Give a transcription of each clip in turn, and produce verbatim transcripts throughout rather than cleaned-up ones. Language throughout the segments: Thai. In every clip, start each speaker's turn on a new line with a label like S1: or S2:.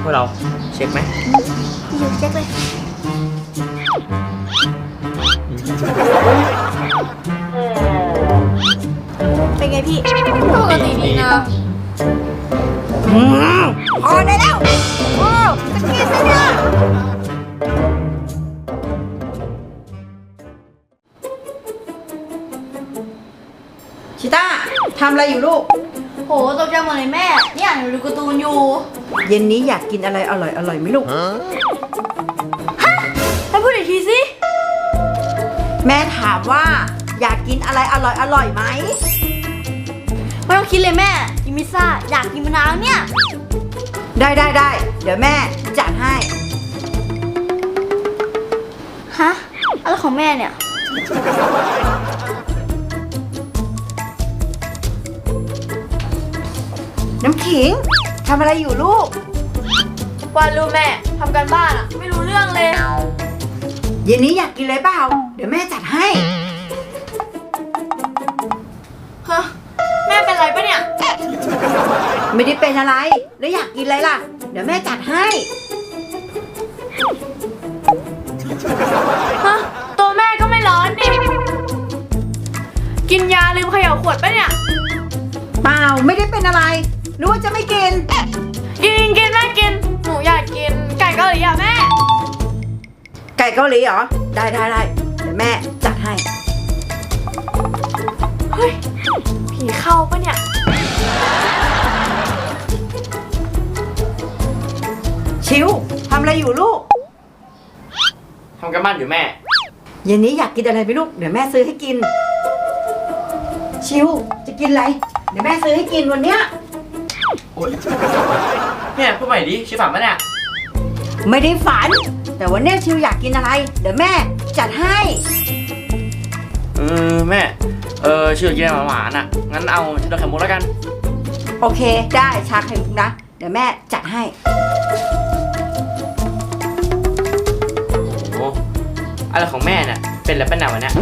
S1: พวกเราเช็คไหม
S2: อยู่เช็คเลยเป็นไงพี่ปกติดีนะพอได้แล้วโอ้จะกินซะเนี่ย
S3: ชิต้าทำอะไรอยู่ลูก
S2: โหตกใจหมดเลยแม่เนี่ยหนูดูการ์ตูนอยู่
S3: เย็นนี้อยากกินอะไรอร่อยอร่อยไหมลูกฮะ
S2: ให้พูดอีกทีสิ
S3: แม่ถามว่าอยากกินอะไรอร่อยอร่อยไหม
S2: ไม่ต้องคิดเลยแม่กินพิซซ่าอยากกินมะนาวเนี่ย
S3: ได้ได้ได้เดี๋ยวแม่จัดให้
S2: ฮะอะไรของแม่เนี่ย
S3: น้ำขิงทำอะไรอยู่ลูก
S2: วาดรูปแม่ทำการบ้านอะไม่รู้เรื่องเลย
S3: เย็นนี้อยากกินอะไรเปล่าเดี๋ยวแม่จัดให้
S2: ฮะแม่เป็นไรปะเนี่ย
S3: ไม่ได้เป็นอะไรแล้วอยากกินอะไรล่ะเดี๋ยวแม่จัดให้
S2: ฮะตัวแม่ก็ไม่ร้อนดิกินยาลืมเขย่าขวดปะเนี่ย
S3: เปล่าไม่ได้เป็นอะไรหรือว่าจะไม่กิน
S2: กินกินแม่กินหนูอยากกินไก่เกาหลีอ่ะแม่
S3: ไก่เกาหลีเหรอได้ได้ได้เดี๋ยวแม่จัดให้
S2: เฮ้ยผีเข้าปะเนี่ย
S3: ชิวทำอะไรอยู่ลูก
S1: ทำกันบ้านอยู่แม่
S3: เย็นนี้อยากกินอะไรไหมลูกเดี๋ยวแม่ซื้อให้กินชิวจะกินอะไรเดี๋ยวแม่ซื้อให้กินวันเนี้ย
S1: โอ๊ยแม่พูดใหม่ดิชิฝันปะเนี่ย
S3: ไม่ได้ฝันแต่วันนี้ชิวอยากกินอะไรเดี๋ยวแม่จัดให้
S1: เออแม่เออชิวอยากกินอะไรหวานๆอ่ะงั้นเอาชาไข่มุกแล้วกัน
S3: โอเคได้ชาไข่มุกนะเดี๋ยวแม่จัดให้
S1: โอ้อะไรของแม่เนี่ยเป็นแล้วเป็นหนาวเนี่ย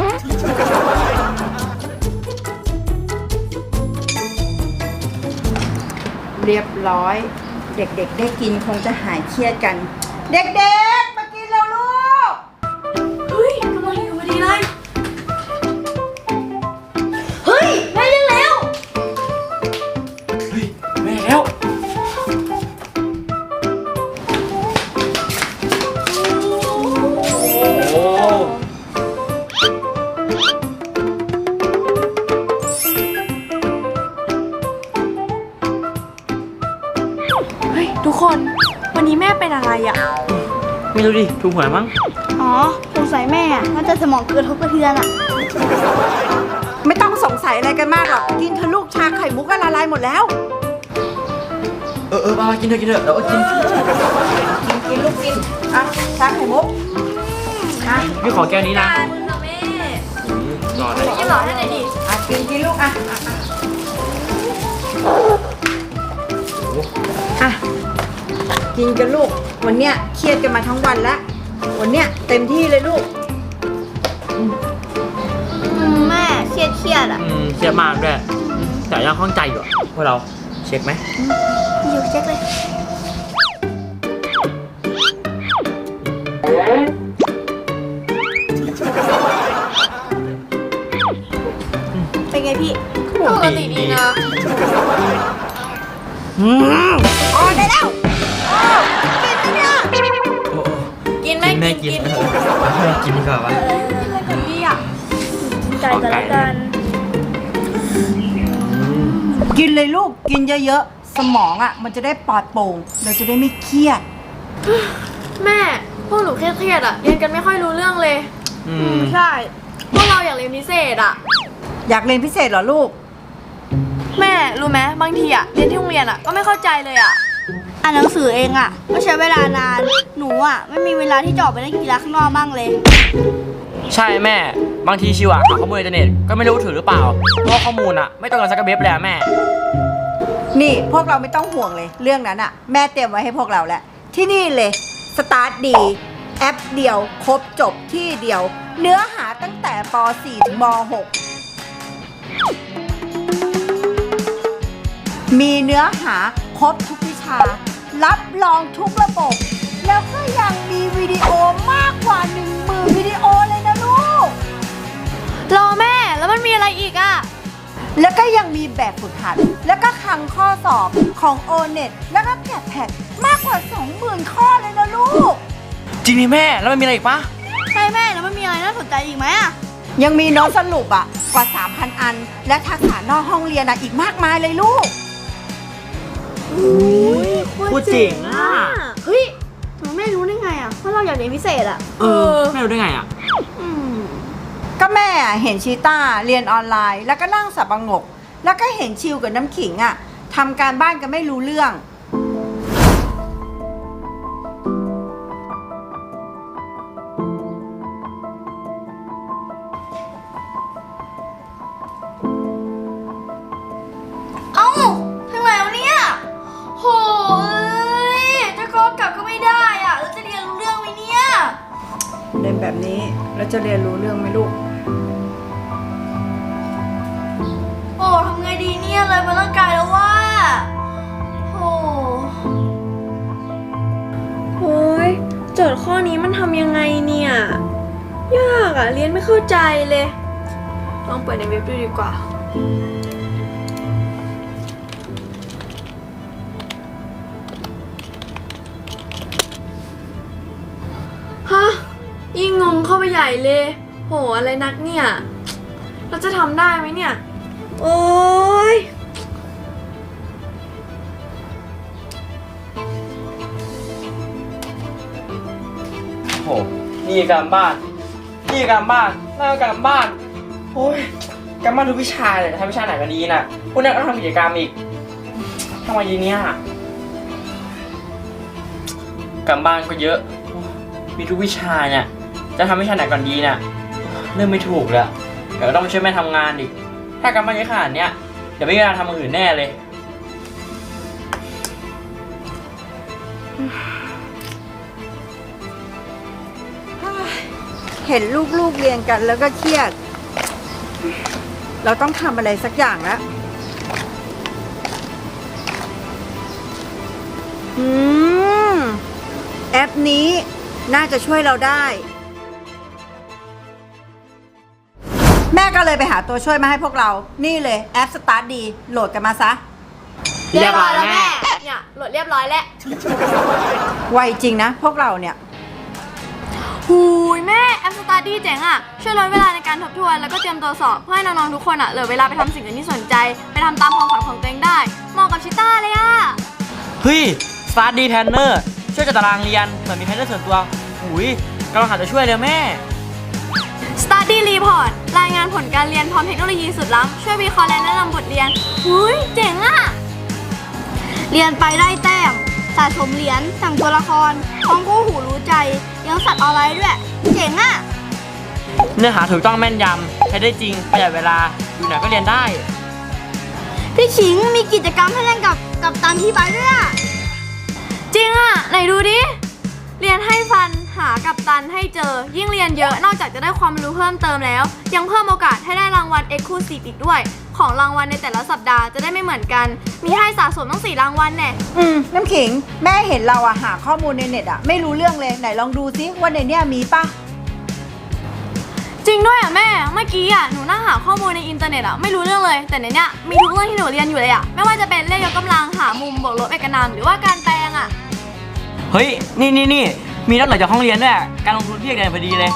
S3: เรียบร้อยเด็กๆได้กินคงจะหายเครียดกันเด็กๆมากินแล้วลูก
S2: เฮ้ยกำลังอยู่พอดีเลยเฮ้ยแม่ยังแล้ว
S1: เฮ้ยแม่แล้วโอ้
S2: ทุกคนวันนี้แม่เป็นอะไรอ่ะ
S1: ไม่รู้ดิถูกหวยมั้ง
S2: อ๋อสงสัยแม่น่าจะสมองเกินทบกระเทือนอ่ะ
S3: ไม่ต้องสงสัยอะไรกันมากหรอกกินเธอลูกชาไข่มุกก็ละลายหมดแล้ว
S1: เออเออมากินเถอะกินเถอะเดี๋ยวกิน
S3: กินกินลูกกินอ่ะชาไข่มุก
S1: อ่ะพี่ขอแก้วนี้นะ
S2: แม่
S1: รอได้
S2: กินหลอดให้หน่อยดิ
S3: อ่ะกินกินลูกอ่ะอ่ะกินกันลูกวันเนี้ยเครียดกันมาทั้งวันแล้ววันเนี้ยเต็มที่เลยลูก
S2: แม่เครียดเครียดอ่ะ
S1: อืมเครียดมากด้วยแต่ยังข้องใจอยู่พวกเราเช็คไหม
S2: อยู่เช็คเลยเป็นไงพี่ปกติดีนะ
S3: อืมพอได้แล้วโอ้
S2: กินไหมเนี่ยกินไหม
S1: กินกินดีกว่าวะ
S2: อะไรกันพี่อ่ะใจกันแล้วกัน
S3: กินเลยลูกกินเยอะๆสมองอ่ะมันจะได้ปลอดโปร่งเราจะได้ไม่เครียด
S2: แม่พวกหนูเครียดๆอ่ะเรียนกันไม่ค่อยรู้เรื่องเลยอืมใช่พวกเราอยากเรียนพิเศษอ่ะ
S3: อยากเรียนพิเศษเหรอลูก
S2: แม่รู้ไหมบางทีอะเรียนที่โรงเรียนอะก็ไม่เข้าใจเลยอะอ่านหนังสือเองอะก็ใช้เวลานานหนูอะไม่มีเวลาที่จะออกไปเล่นกีฬาข้างนอกบ้างเลย
S1: ใช่แม่บางทีชิวอะหาข้อมูลในอินเทอร์เน็ตก็ไม่รู้ถือหรือเปล่าเพราะข้อมูลอะไม่ตรงกันสักกระเบ็บเลยแม่
S3: นี่พวกเราไม่ต้องห่วงเลยเรื่องนั้นอะแม่เตรียมไว้ให้พวกเราแล้วที่นี่เลยสตาร์ทดีแอปเดียวครบจบที่เดียวเนื้อหาตั้งแต่ป สี่ ถึงม หกมีเนื้อหาครบทุกวิชารับรองทุกระบบ แล้วก็ยังมีวิดีโอมากกว่าหนึ่งหมื่นวิดีโอเลยนะลูก
S2: รอแม่แล้วมันมีอะไรอีกอ่ะ
S3: แล้วก็ยังมีแบบฝึกหัด แล้วก็คลังข้อสอบของ โอ เน็ต แล้วก็แกะแพดมากกว่า สองหมื่น ข้อเลยนะลูก
S1: จริงดิแม่แล้วมันมีอะไรอีกปะ
S2: ใช่แม่แล้วมันมีอะไรน่าสนใจอีกไหมอ่ะ
S3: ยังมีโน้ตสรุปอ่ะกว่า สามพัน อัน และทักษะนอกห้องเรียนอ่ะอีกมากมายเลยลูก
S1: พูดจริงอ่ะ
S2: เฮ้ยทำไมแม่รู้ได้ไงอ่ะว่าเราอยากเรียนพิเศษอ่ะ
S1: เออแม่รู้ได้ไงอ่ะ
S2: อืม
S3: ก็แม่อะเห็นชีต้าเรียนออนไลน์ แล้วก็นั่งสับประงก แล้วก็เห็นชิวกับน้ำขิงอ่ะทำการบ้านกันไม่รู้เรื่อง
S2: เอ้าทางไหนวะเนี่ยโหยจะกอกลับก็ไม่ได้อ่ะแล้วจะเรียนรู้เรื่องไหมเนี่ย
S3: เรียนแบบนี้แล้วจะเรียนรู้เรื่องไหมลูก
S2: โอ้ทำไงดีเนี่ยเลยมาร่างกายแล้วว่าโอ้โอ้ยโจทย์ข้อนี้มันทำยังไงเนี่ย ยากอ่ะ เรียนไม่เข้าใจเลย ลองเปิดในเว็บดูดีกว่า ฮะ ยิ่งงงเข้าไปใหญ่เลย โห อะไรนักเนี่ย เราจะทำได้ไหมเนี่ย โอ้ย
S1: โหนี่การบ้านนี่การบ้านนั่นก็การบ้านโอ้ยการบ้านทุกวิชาเลยทำวิชาไหนกันดีน่ะพวกนี้ก็ต้องทำกิจกรรมอีกทำไมยีเนี้ยการบ้านก็เยอะมีทุกวิชาเนี่ยจะทำวิชาไหนก่อนดีน่ะเริ่มไม่ถูกแล้วเดี๋ยวต้องไปช่วยแม่ทำงานอีกถ้าการบ้านเยอะขนาดเนี้ยเดี๋ยวไม่มีเวลาทำอย่างอื่นแน่เลย
S3: เห็นลูกๆเรียนกันแล้วก็เครียด เราต้องทำอะไรสักอย่างแล้ว อืม แอปนี้น่าจะช่วยเราได้ แม่ก็เลยไปหาตัวช่วยมาให้พวกเรา นี่เลยแอป Start ดี โหลดกันมาซะ
S1: เรียบร้อยแล้วแม่
S2: เนี่ยโหลดเรียบร้อยแล้ว
S3: ไวจริงนะ พวกเราเนี่ย
S2: หูยแม่แอปสตาร์ดี้เจ๋งอ่ะ ช่วยลดเวลาในการทบทวนแล้วก็เตรียมตัวสอบ เพื่อให้น้องๆทุกคนอ่ะเหลือเวลาไปทำสิ่งอื่นที่สนใจ ไปทำตามความฝันของตัวเองได้เหมาะกับชิต้าเลยอ่ะ
S1: เฮ้ย Start ดี Planner ช่วยจัดตารางเรียนเหมือนมีแพนเนอร์ส่วนตัวหุยกำลังหาจะช่วยเลยแม่
S2: Study Report รายงานผลการเรียนพร้อมเทคโนโลยีสุดล้ำช่วยวิเคราะห์และแนะนำบทเรียนหุยเจ๋งอ่ะ เรียนไปได้แต้มสะสมเหรียญสั่งตัวละครท่องคู่หูรู้ใจยังสัตว์ออนไลน์ด้วย เจ๋งอ่ะ
S1: เนื้อหาถูกต้องแม่นยำใช้ได้จริงประหยัดเวลาอยู่ไหนก็เรียนได้
S2: พี่ชิงมีกิจกรรมให้เล่นกับกับตันที่ไปด้วยอ่ะ จริงอ่ะ ไหนดูดิ เรียนให้ฟันหากับตันให้เจอ ยิ่งเรียนเยอะนอกจากจะได้ความรู้เพิ่มเติมแล้ว ยังเพิ่มโอกาสให้ได้รางวัล Exclusive อีกด้วย ของรางวัลในแต่ละสัปดาห์จะได้ไม่เหมือนกัน มีให้สะสมตั้งสี่รางวัลแน่
S3: อืม น้ำขิง แม่เห็นเราอะหาข้อมูลในเน็ตอะไม่รู้เรื่องเลย ไหนลองดูซิว่าในเนี้ยมีปะ
S2: จริงด้วยอ่ะแม่ เมื่อกี้อ่ะหนูนั่งหาข้อมูลในอินเทอร์เน็ตอ่ะไม่รู้เรื่องเลย แต่ในเนี้ยมีทุกเรื่องที่หนูเรียนอยู่เลยอ่ะ ไม่ว่าจะเป็นเลขยกกำลังหามุมบวกลบเอกนามหรือว่าการแปลงอ่ะ
S1: เฮ้ย นี่นี่นี่มีนอกเหนือจากห้องเรียนด้วยการลงทุนที่เรียนพอดีเลย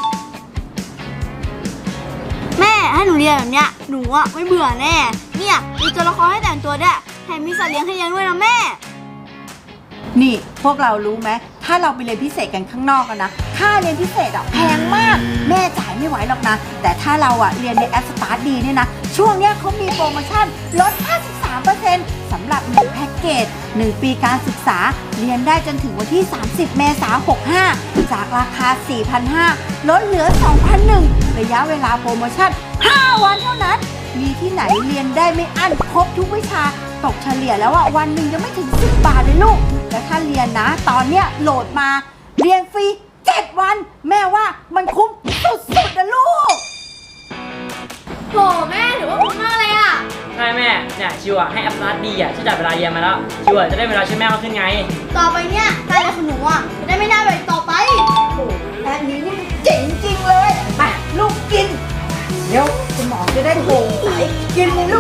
S2: แม่ให้หนูเรียนแบบเนี้ยหนูอ่ะไม่เบื่อแน่ เนี่ยมีตัวละครให้แต่งตัวด้วยแถมมีสัตว์เลี้ยงให้เลี้ยงด้วยนะแม่
S3: นี่พวกเรารู้ไหมถ้าเราไปเรียนพิเศษกันข้างนอกกันนะค่าเรียนพิเศษอะแพงมาก แม่จ่ายไม่ไหวหรอกนะ แต่ถ้าเราอะเรียนในแอป Start ดีเนี่ยนะช่วงเนี้ยเขามีโปรโมชั่นลด ห้าสิบสามเปอร์เซ็นต์ สำหรับหนึ่งแพ็กเกจหนึ่งปีการศึกษาเรียนได้จนถึงวันที่ สามสิบ เมษายน หกห้า จากราคา สี่พันห้าร้อย ลดเหลือ สองพันหนึ่ง ระยะเวลาโปรโมชั่น ห้า วันเท่านั้น มีที่ไหนเรียนได้ไม่อั้นครบทุกวิชาตกเฉลี่ยแล้วอะวันหนึ่งยังไม่ถึงสิบบาทเลยลูก แล้วถ้าเรียนนะ ตอนเนี้ยโหลดมาเรียนฟรีเจ็ดวัน แม่ว่ามันคุ้มสุดๆนะลูก
S2: โหแม่ถือว่าคุ้มมากเลยอ่ะ
S1: ใช่แม่เนี่ยชิวอ่ะให้แอปสตาร์ทดีอ่ะช่วยจัดเวลาเรียนมาแล้วชิวอ่ะจะได้เวลาช่วยแม่มากขึ้นไง
S2: ต่อไปเนี่ยการเรียนของหนูอ่ะจะได้ไม่น่าแบบต่อไป
S3: โอ้อันนี้นี่เจ๋งจริงเลยไปลูกกิน เดี๋ยวสมองจะได้โปร่งใสกินเลย